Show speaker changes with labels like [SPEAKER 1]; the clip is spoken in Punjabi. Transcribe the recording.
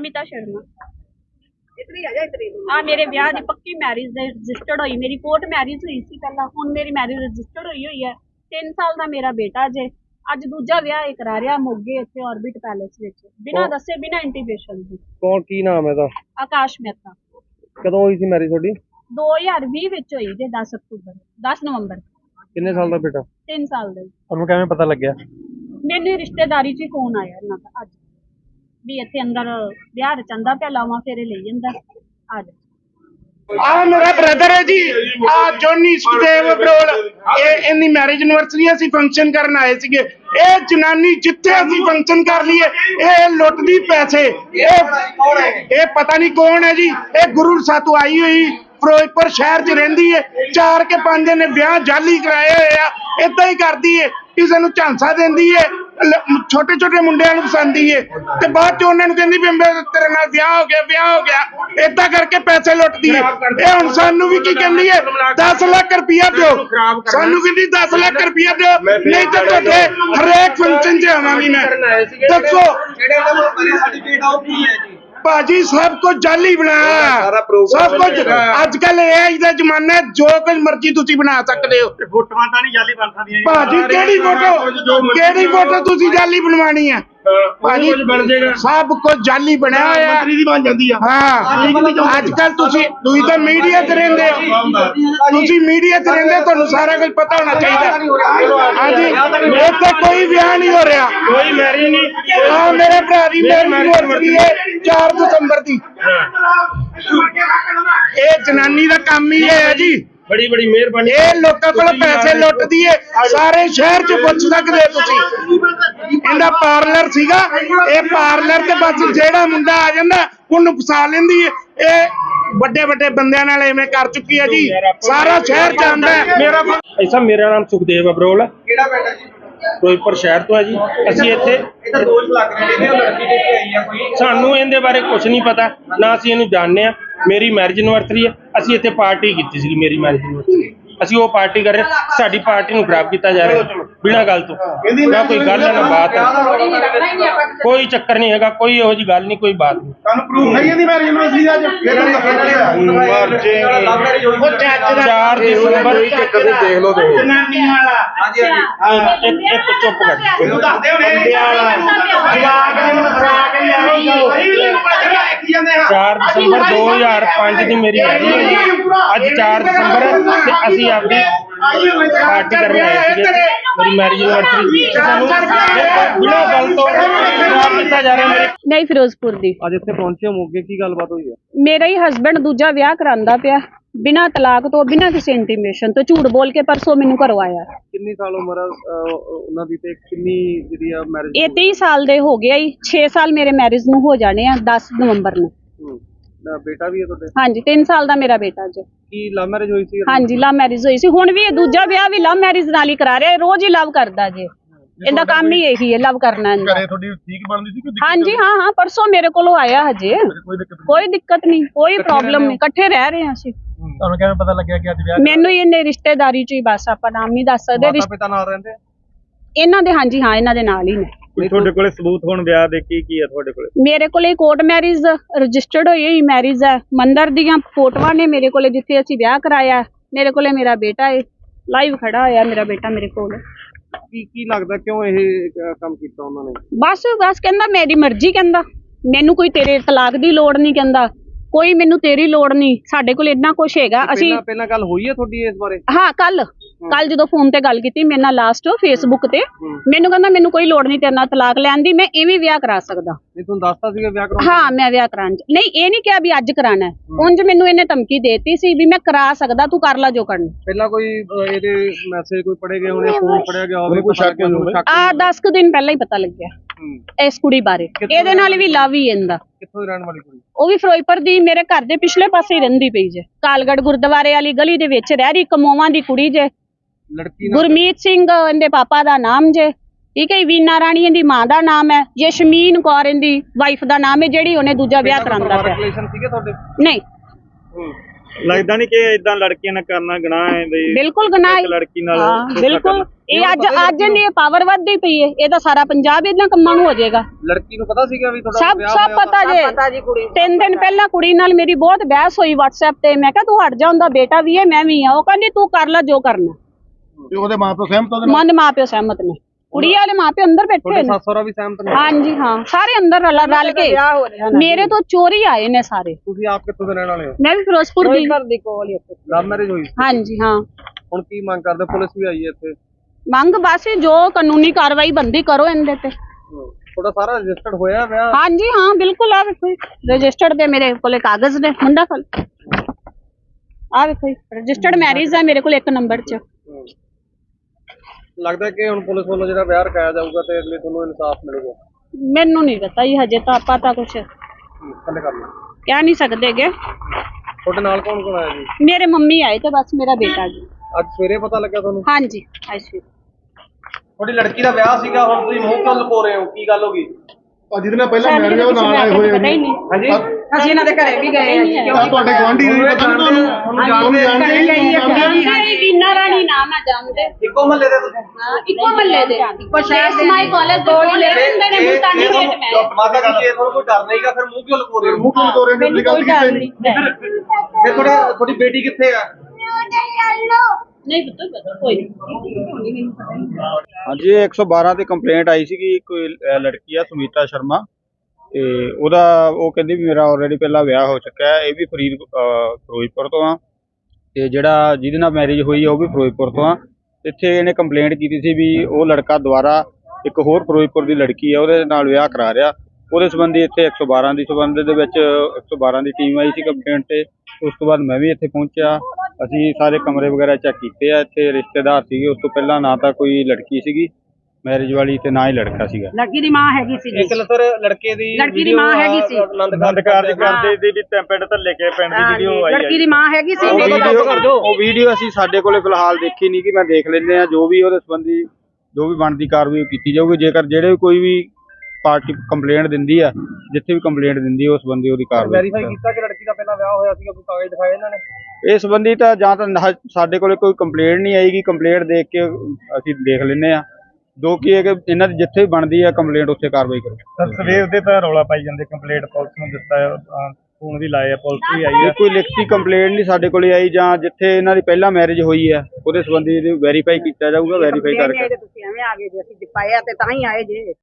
[SPEAKER 1] ਨਮਿਤਾ ਸ਼ਰਮਾ। ਆ ਮੇਰੇ ਵਿਆਹ ਦੀ ਪੱਕੀ ਮੈਰਿਜ ਰਜਿਸਟਰਡ ਹੋਈ, ਮੇਰੀ ਕੋਰਟ ਮੈਰਿਜ ਹੋਈ ਸੀ ਪਹਿਲਾਂ, ਹੁਣ ਮੇਰੀ ਮੈਰਿਜ ਰਜਿਸਟਰਡ ਹੋਈ ਹੈ। 3 ਸਾਲ ਦਾ ਮੇਰਾ ਬੇਟਾ ਜੇ। ਅੱਜ ਦੂਜਾ ਵਿਆਹ ਇਹ ਕਰਾ ਰਿਹਾ ਮੋਗੇ ਇੱਥੇ ਆਰਬਿਟ ਪੈਲੇਸ ਵਿੱਚ, ਬਿਨਾਂ ਦੱਸੇ ਬਿਨਾਂ ਇੰਟੀਮੇਸ਼ਨ ਦੇ।
[SPEAKER 2] ਕੌਣ, ਕੀ ਨਾਮ ਹੈ ਇਹਦਾ?
[SPEAKER 1] ਆਕਾਸ਼ ਮਹਿਤਾ।
[SPEAKER 2] ਕਦੋਂ ਹੋਈ ਸੀ ਮੈਰਿਜ ਤੁਹਾਡੀ?
[SPEAKER 1] 2020 ਵਿੱਚ ਹੋਈ ਜੇ, 10 ਨਵੰਬਰ।
[SPEAKER 2] ਕਿੰਨੇ ਸਾਲ ਦਾ ਬੇਟਾ?
[SPEAKER 1] 3 ਸਾਲ ਦਾ।
[SPEAKER 2] ਤੁਹਾਨੂੰ ਕਿਵੇਂ ਪਤਾ ਲੱਗਿਆ?
[SPEAKER 1] ਮੈਨੂੰ ਰਿਸ਼ਤੇਦਾਰੀ 'ਚ ਹੀ ਫੋਨ ਆਇਆ ਇਹਨਾਂ ਦਾ ਅੱਜ ਵੀ ਇੱਥੇ ਅੰਦਰ ਵਿਆਹ ਰਚੰਦਾ ਪਿਆ, ਲਾਵਾਂ ਫੇਰੇ ਲਈ ਜਾਂਦਾ। ਆ ਜਾ
[SPEAKER 3] ਆ ਮੇਰਾ ਬ੍ਰਦਰ ਹੈ ਜੀ, ਆ ਜੋਨੀ ਸੁਖਦੇਵ ਬਰੋਲ। ਇਹ ਇਨਦੀ ਮੈਰਿਜ ਐਨਵਰਸਰੀ ਅਸੀਂ ਫੰਕਸ਼ਨ ਕਰਨ ਆਏ ਸੀਗੇ। ਇਹ ਜਨਾਨੀ ਜਿੱਥੇ ਅਸੀਂ ਫੰਕਸ਼ਨ ਕਰ ਲਈਏ ਇਹ ਲੁੱਟਦੀ ਪੈਸੇ। ਇਹ ਪਤਾ ਨਹੀਂ ਕੌਣ ਹੈ ਜੀ। ਇਹ ਗੁਰੂ ਸਾਤੋਂ ਆਈ ਹੋਈ ਫਿਰੋਜ਼ਪੁਰ ਸ਼ਹਿਰ 'ਚ ਰਹਿੰਦੀ ਹੈ। 4 ਕੇ 5 ਨੇ ਵਿਆਹ ਜਾਲੀ ਕਰਾਏ ਹੋਏ ਆ। ਏਦਾਂ ਹੀ ਕਰਦੀ ਹੈ, ਕਿਸੇ ਨੂੰ ਝਾਂਸਾ ਦਿੰਦੀ ਹੈ, ਛੋਟੇ ਛੋਟੇ ਮੁੰਡਿਆਂ ਨੂੰ ਪਸੰਦੀ ਹੈ ਤੇ ਬਾਅਦ ਚ ਉਹਨਾਂ ਨੂੰ ਕਹਿੰਦੀ ਵੀ ਤੇਰੇ ਨਾਲ ਵਿਆਹ ਹੋ ਗਿਆ। ਏਦਾਂ ਕਰਕੇ ਪੈਸੇ ਲੁੱਟਦੀ ਹੈ। ਇਹ ਹੁਣ ਸਾਨੂੰ ਵੀ ਕੀ ਕਹਿੰਦੀ ਹੈ, 10 ਲੱਖ ਰੁਪਇਆ ਦਿਓ। ਸਾਨੂੰ ਕਹਿੰਦੀ 10 ਲੱਖ ਰੁਪਇਆ ਦਿਓ, ਨਹੀਂ ਤਾਂ ਤੁਹਾਡੇ ਹਰੇਕ ਫੰਕਸ਼ਨ 'ਚ ਆਵਾਂਗੀ ਮੈਂ। ਦੱਸੋ ਭਾਜੀ, ਸਭ ਕੁਝ ਜਾਲੀ ਬਣਾਇਆ, ਸਭ ਕੁਝ। ਅੱਜ ਕੱਲ ਇਹ ਦਾ ਜ਼ਮਾਨਾ ਹੈ, ਜੋ ਕੁਝ ਮਰਜ਼ੀ ਤੁਸੀਂ ਬਣਾ ਸਕਦੇ ਹੋ।
[SPEAKER 4] ਫੋਟੋਆਂ ਤਾਂ ਨਹੀਂ ਜਾਲੀ ਬਣ ਸਕਦੀਆਂ
[SPEAKER 3] ਭਾਜੀ। ਕਿਹੜੀ ਫੋਟੋ ਤੁਸੀਂ ਜਾਲੀ ਬਣਵਾਣੀ ਹੈ ਭਾਜੀ? ਸਭ ਕੁਝ ਜਾਲੀ ਬਣਿਆ ਹੋਇਆ
[SPEAKER 4] ਮੰਤਰੀ ਦੀ ਬਣ ਜਾਂਦੀ ਆ।
[SPEAKER 3] ਹਾਂ, ਅੱਜ ਕੱਲ ਤੁਸੀਂ ਤਾਂ ਮੀਡੀਆ 'ਚ ਰਹਿੰਦੇ ਹੋ, ਤੁਹਾਨੂੰ ਸਾਰਾ ਕੁਝ ਪਤਾ ਹੋਣਾ ਚਾਹੀਦਾ। ਹਾਂਜੀ, ਇੱਥੇ ਕੋਈ ਵਿਆਹ ਨਹੀਂ ਹੋ ਰਿਹਾ,
[SPEAKER 4] ਕੋਈ ਮੈਰਿਜ ਨਹੀਂ।
[SPEAKER 3] ਹਾਂ, ਮੇਰੇ ਭਰਾ ਦੀ ਮੈਰਿਜ ਹੈ 4 ਦਸੰਬਰ ਦੀ। ਇਹ ਜਨਾਨੀ ਦਾ ਕੰਮ ਹੀ ਹੈ ਜੀ।
[SPEAKER 4] ਬੜੀ ਮਿਹਰਬਾਨੀ।
[SPEAKER 3] ਇਹ ਲੋਕਾਂ ਕੋਲ ਪੈਸੇ ਲੁੱਟਦੀ ਏ, ਸਾਰੇ ਸ਼ਹਿਰ 'ਚ ਪੁੱਛ ਸਕਦੇ ਤੁਸੀਂ। ਇਹਦਾ ਪਾਰਲਰ ਸੀਗਾ, ਇਹ ਪਾਰਲਰ ਤੇ ਬਸ ਜਿਹੜਾ ਮੁੰਡਾ ਆ ਜਾਂਦਾ ਉਹਨੂੰ ਫਸਾ ਲੈਂਦੀ ਏ। ਇਹ ਵੱਡੇ ਬੰਦਿਆਂ ਨਾਲ ਐਵੇਂ ਕਰ ਚੁੱਕੀ ਹੈ ਜੀ, ਸਾਰਾ ਸ਼ਹਿਰ ਜਾਣਦਾ ਹੈ।
[SPEAKER 4] ਮੇਰਾ ਨਾਮ ਸੁਖਦੇਵ ਅਬਰੋਲ ਹੈ।
[SPEAKER 3] ਕਿਹੜਾ ਪਿੰਡ ਹੈ ਜੀ?
[SPEAKER 4] ਫਿਰੋਜ਼ਪੁਰ ਸ਼ਹਿਰ ਤੋਂ ਹੈ ਜੀ। ਅਸੀਂ ਇੱਥੇ
[SPEAKER 3] ਦੋਸ਼ ਲੱਗ ਰਹੇ ਨੇ ਲੜਕੀ ਦੇ ਕੇ ਆਈ ਆ ਕੋਈ।
[SPEAKER 4] ਸਾਨੂੰ ਇਹਦੇ ਬਾਰੇ ਕੁਝ ਨਹੀਂ ਪਤਾ, ਨਾ ਅਸੀਂ ਇਹਨੂੰ ਜਾਣਦੇ ਆ। ਮੇਰੀ ਮੈਰਿਜ ਐਨਵਰਸਰੀ ਹੈ, ਅਸੀਂ ਇੱਥੇ ਪਾਰਟੀ ਕੀਤੀ ਸੀ। ਮੇਰੀ ਮੈਰਿਜ ਐਨਵਰਸਰੀ ਅਸੀਂ ਉਹ ਪਾਰਟੀ ਕਰ ਰਹੇ। ਸਾਡੀ ਪਾਰਟੀ ਨੂੰ ਖਰਾਬ ਕੀਤਾ ਜਾ ਰਿਹਾ ਬਿਨਾਂ ਗੱਲ ਤੋਂ। ਨਾ ਕੋਈ ਗੱਲ ਹੈ ਨਾ ਬਾਤ ਹੈ, ਕੋਈ ਚੱਕਰ ਨਹੀਂ ਹੈਗਾ, ਕੋਈ ਇਹੋ ਜਿਹੀ ਗੱਲ ਨਹੀਂ, ਕੋਈ ਬਾਤ ਨਹੀਂ।
[SPEAKER 3] ਤੁਹਾਨੂੰ ਪ੍ਰੂਫ ਹੈ ਇਹਦੀ ਮੈਰਿਜ ਐਨਵਰਸਰੀ ਦਾ?
[SPEAKER 4] 4 ਦਸੰਬਰ
[SPEAKER 2] ਦੇਖ ਲਓ ਤੁਸੀਂ।
[SPEAKER 3] ਜਨਾਨੀ ਵਾਲਾ। ਹਾਂਜੀ
[SPEAKER 4] ਇੱਕ ਚੁੱਪ ਕਰ।
[SPEAKER 3] ਇਹਨੂੰ ਦੱਸਦੇ ਹੋਣੇ ਜਵਾਬ ਨੂੰ ਫਸਾ ਕੇ ਲਿਆਈ।
[SPEAKER 4] 4 ਦਸੰਬਰ 2005 ਦੀ ਮੇਰੀ ਮੈਰਿਜ ਹੋਈ ਹੈ। ਅੱਜ 4 ਦਸੰਬਰ ਹੈ ਤੇ ਅਸੀਂ ਆਪਦੀ ਪਾਰਟੀ ਕਰਨ ਆਏ ਸੀਗੇ। ਮੇਰੀ ਮੈਰਿਜ ਐਨਵਰਸਰੀ ਸਾਨੂੰ ਬਿਨਾਂ ਗੱਲ ਤੋਂ ਖਰਾਬ ਕੀਤਾ ਜਾ ਰਿਹਾ।
[SPEAKER 1] ਨਹੀਂ, ਫਿਰੋਜ਼ਪੁਰ ਦੀ।
[SPEAKER 2] ਅੱਜ ਇੱਥੇ ਪਹੁੰਚੇ ਮੋਗੇ, ਕੀ ਗੱਲਬਾਤ ਹੋਈ ਹੈ?
[SPEAKER 1] ਮੇਰਾ ਹੀ ਹਸਬੈਂਡ ਦੂਜਾ ਵਿਆਹ ਕਰਾਂਦਾ ਪਿਆ ਬਿਨਾਂ ਤਲਾਕ ਤੋਂ, ਬਿਨਾਂ ਕਿਸੇ ਇੰਟੀਮੇਸ਼ਨ ਤੋਂ, ਝੂਠ ਬੋਲ ਕੇ ਪਰਸੋਂ ਮੈਨੂੰ ਕਰਵਾਇਆ।
[SPEAKER 2] ਕਿੰਨੀ ਸਾਲ ਉਮਰ ਉਹਨਾਂ ਦੀ ਤੇ ਕਿੰਨੀ ਜਿਹੜੀ ਆ ਮੈਰਿਜ?
[SPEAKER 1] ਇਹ 30 ਸਾਲ ਦੇ ਹੋ ਗਿਆ ਹੀ। 6 ਸਾਲ ਮੇਰੇ ਮੈਰਿਜ ਨੂੰ ਹੋ ਜਾਣੇ ਆ 10 ਨਵੰਬਰ ਨੂੰ।
[SPEAKER 2] ਬੇਟਾ ਵੀ ਹੈ ਤੁਹਾਡੇ?
[SPEAKER 1] ਹਾਂਜੀ, 3 ਸਾਲ ਦਾ ਮੇਰਾ ਬੇਟਾ ਜੀ।
[SPEAKER 2] ਕੀ ਲਵ ਮੈਰਿਜ ਹੋਈ ਸੀ?
[SPEAKER 1] ਹਾਂਜੀ, ਲਵ ਮੈਰਿਜ ਹੋਈ ਸੀ। ਹੁਣ ਵੀ ਇਹ ਦੂਜਾ ਵਿਆਹ ਵੀ ਲਵ ਮੈਰਿਜ ਨਾਲ ਹੀ ਕਰਾ ਰਿਹਾ। ਰੋਜ਼ ਹੀ ਲਵ ਕਰਦਾ ਜੀ। ਇਹਦਾ ਕੰਮ ਹੀ ਇਹੀ ਹੈ, ਲਵ ਕਰਨਾ।
[SPEAKER 4] ਤੁਹਾਡੀ ਠੀਕ ਬਣਦੀ ਸੀ?
[SPEAKER 1] ਹਾਂਜੀ, ਹਾਂ, ਪਰਸੋਂ ਮੇਰੇ ਕੋਲੋਂ ਆਇਆ ਹਜੇ। ਕੋਈ ਦਿੱਕਤ ਨਹੀਂ, ਕੋਈ ਪ੍ਰੋਬਲਮ ਨਹੀਂ, ਇਕੱਠੇ ਰਹਿ ਰਹੇ ਹਾਂ ਅਸੀਂ।
[SPEAKER 4] ਤੁਹਾਨੂੰ ਕਿਵੇਂ ਪਤਾ ਲੱਗਿਆ ਕਿ ਅੱਜ ਵਿਆਹ?
[SPEAKER 1] ਮੈਨੂੰ ਹੀ ਇਹਨੇ ਰਿਸ਼ਤੇਦਾਰੀ ਚ ਹੀ, ਬਸ ਆਪਾਂ ਨਾਮ ਨਹੀਂ ਦੱਸ ਸਕਦੇ।
[SPEAKER 2] ਮਾਤਾ ਪਿਤਾ ਨਾਲ ਰਹਿੰਦੇ
[SPEAKER 1] ਇਹਨਾਂ ਦੇ? ਹਾਂਜੀ, ਹਾਂ, ਇਹਨਾਂ ਦੇ ਨਾਲ ਹੀ ਨੇ।
[SPEAKER 2] ਤੁਹਾਡੇ ਕੋਲੇ ਸਬੂਤ ਹੁਣ ਵਿਆਹ ਦੇ ਕੀ ਹੈ ਤੁਹਾਡੇ ਕੋਲੇ?
[SPEAKER 1] ਮੇਰੇ ਕੋਲੇ ਕੋਰਟ ਮੈਰਿਜ ਰਜਿਸਟਰਡ ਹੋਈ ਹੋਈ ਮੈਰਿਜ ਹੈ। ਮੰਦਰ ਦੀਆਂ ਫੋਟੋਆਂ ਨੇ ਮੇਰੇ ਕੋਲੇ ਜਿੱਥੇ ਅਸੀਂ ਵਿਆਹ ਕਰਾਇਆ। ਮੇਰੇ ਕੋਲੇ ਮੇਰਾ ਬੇਟਾ ਹੈ, ਲਾਈਵ ਖੜਾ ਹੋਇਆ ਮੇਰਾ ਬੇਟਾ ਮੇਰੇ ਕੋਲ।
[SPEAKER 2] ਕੀ ਲੱਗਦਾ ਕਿਉਂ ਇਹ ਕੰਮ ਕੀਤਾ ਉਹਨਾਂ ਨੇ?
[SPEAKER 1] ਬਸ ਕਹਿੰਦਾ ਮੇਰੀ ਮਰਜ਼ੀ, ਕਹਿੰਦਾ ਮੈਨੂੰ ਕੋਈ ਤੇਰੇ ਤਲਾਕ ਦੀ ਲੋੜ ਨਹੀਂ, ਕਹਿੰਦਾ ਕੋਈ ਮੈਨੂੰ ਤੇਰੀ ਲੋੜ ਨਹੀਂ। ਸਾਡੇ ਕੋਲ ਇੰਨਾ ਕੁਛ ਹੈਗਾ। ਅਸੀਂ
[SPEAKER 2] ਪਹਿਲਾਂ ਗੱਲ ਹੋਈ ਹੈ ਤੁਹਾਡੀ ਇਸ ਬਾਰੇ?
[SPEAKER 1] ਹਾਂ, ਕੱਲ ਜਦੋਂ ਫੋਨ ਤੇ ਗੱਲ ਕੀਤੀ ਮੇਰੇ ਨਾਲ ਲਾਸਟ ਫੇਸਬੁੱਕ ਤੇ, ਮੈਨੂੰ ਕਹਿੰਦਾ ਮੈਨੂੰ ਕੋਈ ਲੋੜ ਨਹੀਂ ਤੇਰੇ ਨਾਲ ਤਲਾਕ ਲੈਣ ਦੀ, ਮੈਂ ਇਵੇਂ ਵਿਆਹ ਕਰਾ ਸਕਦਾ।
[SPEAKER 2] ਨਹੀਂ, ਤੁਹਾਨੂੰ ਦੱਸਤਾ ਸੀਗਾ ਵਿਆਹ ਕਰਾਉਣਾ?
[SPEAKER 1] ਹਾਂ, ਮੈਂ ਵਿਆਹ ਕਰਾਉਣ ਨਹੀਂ, ਇਹ ਨਹੀਂ ਕਿਹਾ ਵੀ ਅੱਜ ਕਰਾਣਾ। ਉਂਝ ਮੈਨੂੰ ਇਹਨੇ ਧਮਕੀ ਦੇਤੀ ਸੀ ਵੀ ਮੈਂ ਕਰਾ ਸਕਦਾ, ਤੂੰ ਕਰ ਲੈ ਜੋ ਕਰਨਾ।
[SPEAKER 2] ਪਹਿਲਾਂ ਕੋਈ ਇਹਦੇ ਮੈਸੇਜ ਕੋਈ ਪੜੇ ਗਏ ਹੋਣੇ, ਫੋਨ ਪੜਿਆ ਗਿਆ ਹੋਵੇ? ਕੋਈ ਸ਼ੱਕ?
[SPEAKER 1] 10 ਕੁ ਦਿਨ ਪਹਿਲਾਂ ਹੀ ਪਤਾ ਲੱਗਿਆ ਇਸ ਕੁੜੀ ਬਾਰੇ। ਇਹਦੇ ਨਾਲ ਵੀ ਲਵ ਹੀ ਇਹਦਾ।
[SPEAKER 2] ਕਿੱਥੋਂ ਦੀ ਰਹਿਣ ਵਾਲੀ ਕੁੜੀ?
[SPEAKER 1] ਉਹ ਵੀ ਫਿਰੋਜ਼ਪੁਰ ਦੀ, ਮੇਰੇ ਘਰ ਦੇ ਪਿਛਲੇ ਪਾਸੇ ਹੀ ਰਹਿੰਦੀ ਪਈ ਜੇ। ਕਾਲਗੜ੍ਹ ਗੁਰਦੁਆਰੇ ਵਾਲੀ ਗਲੀ ਦੇ ਵਿੱਚ ਰਹਿ ਰਹੀ, ਕਮੋਵਾਂ ਦੀ ਕੁੜੀ ਜੇ।
[SPEAKER 2] ਲੜਕੀ
[SPEAKER 1] ਗੁਰਮੀਤ ਸਿੰਘ ਇਹਦੇ ਪਾਪਾ ਦਾ ਨਾਮ ਜੇ, ਠੀਕ ਹੈ। ਵੀਨਾ ਰਾਣੀ ਇਹਦੀ ਮਾਂ ਦਾ ਨਾਮ ਹੈ। ਯਸ਼ਮੀਨ ਕੌਰ ਇਹਦੀ ਵਾਈਫ ਦਾ ਨਾਮ ਹੈ, ਜਿਹੜੀ ਉਹਨੇ ਦੂਜਾ ਵਿਆਹ ਕਰਾਂਦਾ ਪਿਆ।
[SPEAKER 2] ਰਿਲੇਸ਼ਨ ਸੀਗੇ ਤੁਹਾਡੇ?
[SPEAKER 1] ਨਹੀਂ,
[SPEAKER 2] ਲੱਗਦਾ ਨਹੀਂ ਕਿ ਇਦਾਂ ਲੜਕੀਆਂ ਨਾਲ ਕਰਨਾ ਗੁਨਾਹ ਹੈ?
[SPEAKER 1] ਬਿਲਕੁਲ ਗੁਨਾਹ ਹੈ।
[SPEAKER 2] ਲੜਕੀ ਨਾਲ
[SPEAKER 1] ਹਾਂ, ਬਿਲਕੁਲ ਇਹ ਅੱਜ ਦੀ ਪਾਵਰ ਵੱਧਦੀ ਪਈ ਹੈ, ਇਹ ਤਾਂ ਸਾਰਾ ਪੰਜਾਬ ਇਹਨਾਂ ਕੰਮਾਂ ਨੂੰ ਹੋ ਜਾਏਗਾ।
[SPEAKER 2] ਲੜਕੀ ਨੂੰ ਪਤਾ ਸੀਗਾ ਵੀ ਤੁਹਾਡਾ
[SPEAKER 1] ਸਭ ਪਤਾ ਜੇ। 3 ਦਿਨ ਪਹਿਲਾਂ ਕੁੜੀ ਨਾਲ ਮੇਰੀ ਬਹੁਤ ਬਹਿਸ ਹੋਈ WhatsApp ਤੇ। ਮੈਂ ਕਿਹਾ ਤੂੰ ਹਟ ਜਾ, ਉਹਦਾ ਬੇਟਾ ਵੀ ਹੈ ਮੈਂ ਵੀ ਆ। ਉਹ ਕਹਿੰਦੀ ਤੂੰ ਕਰ ਲੈ ਜੋ ਕਰਨਾ।
[SPEAKER 2] ਤੇ ਉਹਦੇ ਮਾਪੇ ਸਹਿਮਤ
[SPEAKER 1] ਮਨ ਮਾਪਿਓ ਸਹਿਮਤ ਨੇ, ਕੁੜੀ ਵਾਲੇ ਮਾਪੇ ਅੰਦਰ ਬੈਠੇ ਨੇ।
[SPEAKER 2] ਸੱਸ ਸਹੁਰਾ ਵੀ ਸਹਿਮਤ ਨੇ?
[SPEAKER 1] ਹਾਂਜੀ ਹਾਂ, ਸਾਰੇ ਅੰਦਰ ਰਲ ਕੇ। ਮੇਰੇ ਤੋਂ ਚੋਰੀ ਆਏ ਨੇ ਸਾਰੇ।
[SPEAKER 2] ਤੁਸੀਂ ਆਪ ਕਿੱਥੋਂ ਦੇ ਰਹਿਣ ਵਾਲੇ ਹੋ?
[SPEAKER 1] ਮੈਂ ਵੀ ਫਿਰੋਜ਼ਪੁਰ ਦੀ।
[SPEAKER 2] ਲਵ ਮੈਰਿਜ ਹੋਈ?
[SPEAKER 1] ਹਾਂਜੀ ਹਾਂ।
[SPEAKER 2] ਹੁਣ ਕੀ ਮੰਗ ਕਰਦੇ? ਪੁਲਿਸ ਵੀ ਆਈ ਹੈ ਇੱਥੇ।
[SPEAKER 1] ਮੰਗ ਬਸ ਜੋ ਕਾਨੂੰਨੀ ਕਾਰਵਾਈ ਬੰਦੀ ਕਰੋ ਇਹਦੇ ਤੇ।
[SPEAKER 2] ਤੁਹਾਡਾ ਸਾਰਾ ਰਜਿਸਟਰਡ ਹੋਇਆ ਵਿਆਹ?
[SPEAKER 1] ਹਾਂਜੀ ਹਾਂ ਬਿਲਕੁਲ। ਆ ਵੇਖੋ ਰਜਿਸਟਰਡ ਦੇ ਮੇਰੇ ਕੋਲੇ ਕਾਗਜ਼ ਨੇ ਮੁੰਡਾ ਕੋਲ। ਆ ਵੇਖੋ ਰਜਿਸਟਰਡ ਮੈਰਿਜ ਹੈ ਮੇਰੇ ਕੋਲ 1 ਨੰਬਰ 'ਚ।
[SPEAKER 2] ਲੱਗਦਾ ਕਿ ਹੁਣ ਪੁਲਿਸ ਵੱਲੋਂ ਜਿਹੜਾ ਵਿਆਹ ਰਖਾਇਆ ਜਾਊਗਾ ਤੇ ਅਗਲੇ ਤੁਹਾਨੂੰ ਇਨਸਾਫ ਮਿਲੇਗਾ?
[SPEAKER 1] ਮੈਨੂੰ ਨਹੀਂ ਪਤਾ ਜੀ, ਹਜੇ ਤਾਂ ਆਪਾਂ ਤਾਂ ਕੁਛ
[SPEAKER 2] ਥੱਲੇ ਕਰ ਲਓ।
[SPEAKER 1] ਕਹਿ ਨਹੀਂ ਸਕਦੇਗੇ।
[SPEAKER 2] ਤੁਹਾਡੇ ਨਾਲ ਕੌਣ ਕੌਣ ਆਇਆ ਜੀ?
[SPEAKER 1] ਮੇਰੇ ਮੰਮੀ ਆਏ ਤੇ ਬਸ ਮੇਰਾ ਬੇਟਾ ਜੀ।
[SPEAKER 2] ਅੱਜ ਸਵੇਰੇ ਪਤਾ ਲੱਗਿਆ ਤੁਹਾਨੂੰ?
[SPEAKER 1] ਹਾਂਜੀ ਅੱਛਾ।
[SPEAKER 2] ਤੁਹਾਡੀ ਲੜਕੀ ਦਾ ਵਿਆਹ ਸੀਗਾ, ਹੁਣ ਤੁਸੀਂ ਮੂੰਹ ਕਿਉਂ ਲੁਕੋ ਰਹੇ ਹੋ? ਕੀ ਗੱਲ ਹੋ ਗਈ?
[SPEAKER 3] ਜਿਹਦੇ ਨਾਲ ਪਹਿਲਾਂ ਮੈਰਿਜ ਉਹ ਨਾਲ ਆਏ ਹੋਏ
[SPEAKER 1] ਪਤਾ ਹੀ ਨਹੀਂ।
[SPEAKER 2] ਹਾਂਜੀ,
[SPEAKER 1] ਅਸੀਂ ਇਹਨਾਂ ਦੇ ਘਰੇ ਵੀ ਗਏ ਆ।
[SPEAKER 3] ਤੁਹਾਡੇ ਗਵਾਂਢੀ ਨਹੀਂ ਪਤਾ ਤੁਹਾਨੂੰ?
[SPEAKER 2] ਜਾਣਦੇ
[SPEAKER 1] ਵੀਨਾ ਰਾਣੀ ਨਾਮ ਆ, ਜਾਣਦੇ।
[SPEAKER 2] ਇੱਕੋ ਮਹੱਲੇ ਦੇ ਤੁਸੀਂ?
[SPEAKER 1] ਇੱਕੋ ਮਹੱਲੇ ਦੇ, ਇੱਕੋ ਸ਼ਹਿਰ ਦੇ। ਮਾਈ ਕਾਲਜ ਦੇ ਕੋਲ ਰਹਿੰਦੇ ਨੇ ਮੁਲਤਾਨੀ ਗੇਟ ਮੈਂ।
[SPEAKER 2] ਮਾਤਾ ਜੀ ਜੇ ਤੁਹਾਨੂੰ ਕੋਈ ਡਰ ਨਹੀਂਗਾ ਫਿਰ ਮੂੰਹ ਕਿਉਂ ਲੁਕੋ ਰਹੇ ਹੋ?
[SPEAKER 3] ਮੂੰਹ ਕਿਉਂ ਲੁਕੋ ਰਹੇ ਹੋ?
[SPEAKER 1] ਮੈਨੂੰ ਕੋਈ ਡਰ ਨਹੀਂ।
[SPEAKER 2] ਫਿਰ ਤੁਹਾਡੀ ਬੇਟੀ ਕਿੱਥੇ ਆ?
[SPEAKER 1] ਨਹੀਂ ਪਤਾ ਕੋਈ ਨਹੀਂ।
[SPEAKER 5] ਹਾਂਜੀ, ਇਹ 112 ਤੇ ਕੰਪਲੇਂਟ ਆਈ ਸੀਗੀ। ਕੋਈ ਲੜਕੀ ਆ ਸੁਮੀਤਾ ਸ਼ਰਮਾ, ਤੇ ਉਹਦਾ ਉਹ ਕਹਿੰਦੀ ਵੀ ਮੇਰਾ ਆਲਰੇਡੀ ਪਹਿਲਾਂ ਵਿਆਹ ਹੋ ਚੁੱਕਾ ਹੈ। ਇਹ ਵੀ ਫਿਰੋਜ਼ਪੁਰ ਤੋਂ ਆ, ਤੇ ਜਿਹੜਾ ਜਿਹਦੇ ਨਾਲ ਮੈਰਿਜ ਹੋਈ ਆ ਉਹ ਵੀ ਫਿਰੋਜ਼ਪੁਰ ਤੋਂ ਆ। ਇੱਥੇ ਇਹਨੇ ਕੰਪਲੇਂਟ ਕੀਤੀ ਸੀ ਵੀ ਉਹ ਲੜਕਾ ਦੁਬਾਰਾ ਇੱਕ ਹੋਰ ਫਿਰੋਜ਼ਪੁਰ ਦੀ ਲੜਕੀ ਆ ਉਹਦੇ ਨਾਲ ਵਿਆਹ ਕਰਾ ਰਿਹਾ। ਉਹਦੇ ਸੰਬੰਧੀ ਇੱਥੇ 112 ਦੀ ਸੰਬੰਧ ਦੇ ਵਿੱਚ 112 ਦੀ ਟੀਮ ਆਈ ਸੀ ਕੰਪਲੇਂਟ ਤੇ। ਉਸ ਤੋਂ ਬਾਅਦ ਮੈਂ ਵੀ ਇੱਥੇ ਪਹੁੰਚਿਆ। ਅਸੀਂ ਸਾਰੇ ਕਮਰੇ ਵਗੈਰਾ ਚੈੱਕ ਕੀਤੇ ਆ। ਇੱਥੇ ਰਿਸ਼ਤੇਦਾਰ ਸੀਗੇ, ਉਸ ਤੋਂ ਪਹਿਲਾਂ ਨਾ ਤਾਂ ਕੋਈ ਲੜਕੀ ਸੀਗੀ ਮੈਰਿਜ ਵਾਲੀ ਤੇ ਨਾ ਹੀ ਲੜਕਾ ਸੀਗਾ।
[SPEAKER 1] ਲੜਕੀ ਦੀ ਮਾਂ ਹੈਗੀ ਸੀ।
[SPEAKER 2] ਇੱਕ ਸਰ ਲੜਕੇ ਦੀ
[SPEAKER 1] ਮਾਂ ਹੈਗੀ ਸੀ।
[SPEAKER 5] ਆਨੰਦ ਕਾਰਜ ਕਰਦੇ ਦੀ ਵੀ ਟੈਂਪਲੇਟ ਥੱਲੇ ਕੇ ਪਿੰਡ ਦੀ ਵੀਡੀਓ ਆਈ
[SPEAKER 1] ਲੜਕੀ ਦੀ ਮਾਂ ਹੈਗੀ ਸੀ।
[SPEAKER 5] ਉਹ ਵੀਡੀਓ ਅਸੀਂ ਸਾਡੇ ਕੋਲੇ ਫਿਲਹਾਲ ਦੇਖੀ ਨਹੀਂ, ਕਿ ਮੈਂ ਦੇਖ ਲੈਂਦੇ ਆ। ਜੋ ਵੀ ਉਹਦੇ ਸੰਬੰਧੀ ਜੋ ਵੀ ਬਣਦੀ ਕਾਰਵਾਈ ਕੀਤੀ ਜਾਊਗੀ। ਜੇਕਰ ਜਿਹੜੇ ਕੋਈ ਵੀ ਪਾਰਟੀ ਕੰਪਲੇਂਟ ਦਿੰਦੀ ਆ, ਜਿੱਥੇ ਵੀ ਕੰਪਲੇਂਟ ਦਿੰਦੀ ਆ ਉਸ ਸੰਬੰਧੀ ਉਹਦੀ ਕਾਰਵਾਈ।
[SPEAKER 2] ਵੈਰੀਫਾਈ ਕੀਤਾ ਕਿ ਲੜਕੀ ਦਾ ਪਹਿਲਾਂ ਵਿਆਹ ਹੋਇਆ ਸੀਗਾ? ਕੋਈ ਕਾਗਜ਼ ਦਿਖਾਏ ਇਹਨਾਂ ਨੇ
[SPEAKER 5] ਇਸ ਸੰਬੰਧੀ? ਤਾਂ ਜਾਂ ਤਾਂ ਸਾਡੇ ਕੋਲੇ ਕੋਈ ਕੰਪਲੇਂਟ ਨਹੀਂ ਆਏਗੀ। ਕੰਪਲੇਂਟ ਦੇਖ ਕੇ ਅਸੀਂ ਦੇਖ ਲੈਂਦੇ ਆ। ਜੋ ਕਿ ਹੈ ਕਿ ਇਹਨਾਂ ਦੀ ਜਿੱਥੇ ਵੀ ਬਣਦੀ ਆ ਕੰਪਲੇਂਟ ਉੱਥੇ ਕਾਰਵਾਈ ਕਰੋ।
[SPEAKER 6] ਸਰ ਸਵੇਰ ਦੇ ਤਾਂ ਰੌਲਾ ਪਾਈ ਜਾਂਦੇ, ਕੰਪਲੇਂਟ ਪੁਲਿਸ ਨੂੰ ਦਿੱਤਾ, ਫੋਨ ਵੀ ਲਾਏ ਆ, ਪੁਲਿਸ ਵੀ ਆਈ ਆ।
[SPEAKER 5] ਕੋਈ ਲਿਖਤੀ ਕੰਪਲੇਂਟ ਨਹੀਂ ਸਾਡੇ ਕੋਲੇ ਆਈ। ਜਾਂ ਜਿੱਥੇ ਇਹਨਾਂ ਦੀ ਪਹਿਲਾਂ ਮੈਰਿਜ ਹੋਈ ਆ ਉਹਦੇ ਸੰਬੰਧੀ ਵੈਰੀਫਾਈ ਕੀਤਾ ਜਾਊਗਾ। ਵੈਰੀਫਾਈ ਕਰਕੇ
[SPEAKER 1] ਤੁਸੀਂ ਐਵੇਂ ਆ ਗਏ ਜੇ ਅਸੀਂ ਪਾਇਆ ਤੇ ਤਾਂ ਹੀ ਆਏ ਜੇ।